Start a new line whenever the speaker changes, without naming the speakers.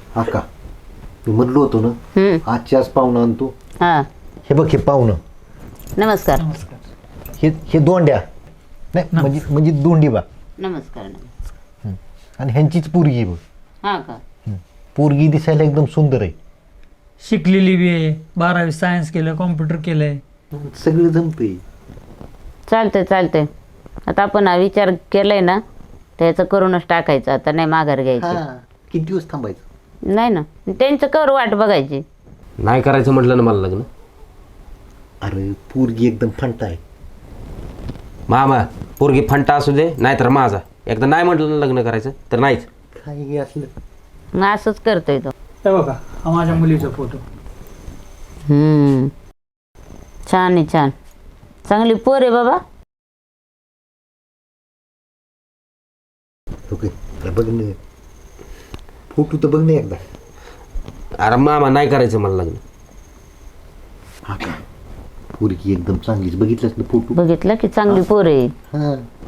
आका मी म्हणलो होतो ना आजची आज पाहुणं आणतो.
हा
हे बघ हे पाहुणं
नमस्कार
हे दोंड्या नाही म्हणजे दोंडीबा
नमस्कार नमस्कार.
आणि ह्यांचीच पोरगी बघ.
हा का
पोरगी दिसायला एकदम सुंदर आहे.
शिकलेली बी आहे, 12वी सायन्स केलं, कॉम्प्युटर केलंय.
सगळं जमतंय.
चालतंय चालतंय. आता आपण हा विचार केलाय ना त्याचं करूनच टाकायचं. आता नाही माघार घ्यायची.
किती दिवस थांबायचं?
नाही ना त्यांचं कर वाट बघायची.
नाही करायचं म्हटलं ना मला लग्न.
अरे पोरगी एकदम फंटा आहे.
मामा पोरगी फंटा असू दे नाहीतर माझा. एकदा नाही म्हटलं ना लग्न करायचं तर नाहीच.
काही असलं
मग असंच करतोय तो.
हे बघा हा माझ्या मुलीचा फोटो.
छान आहे छान. चांगली पोर आहे बाबा.
ओके बघ ना फोटो तर बघ ना एकदा.
अरे मामा नाही करायचं मला लग्न.
हा का पोरगी एकदम चांगलीच बघितलंस ना फोटो.
बघितलं की चांगली पोर आहे.
हा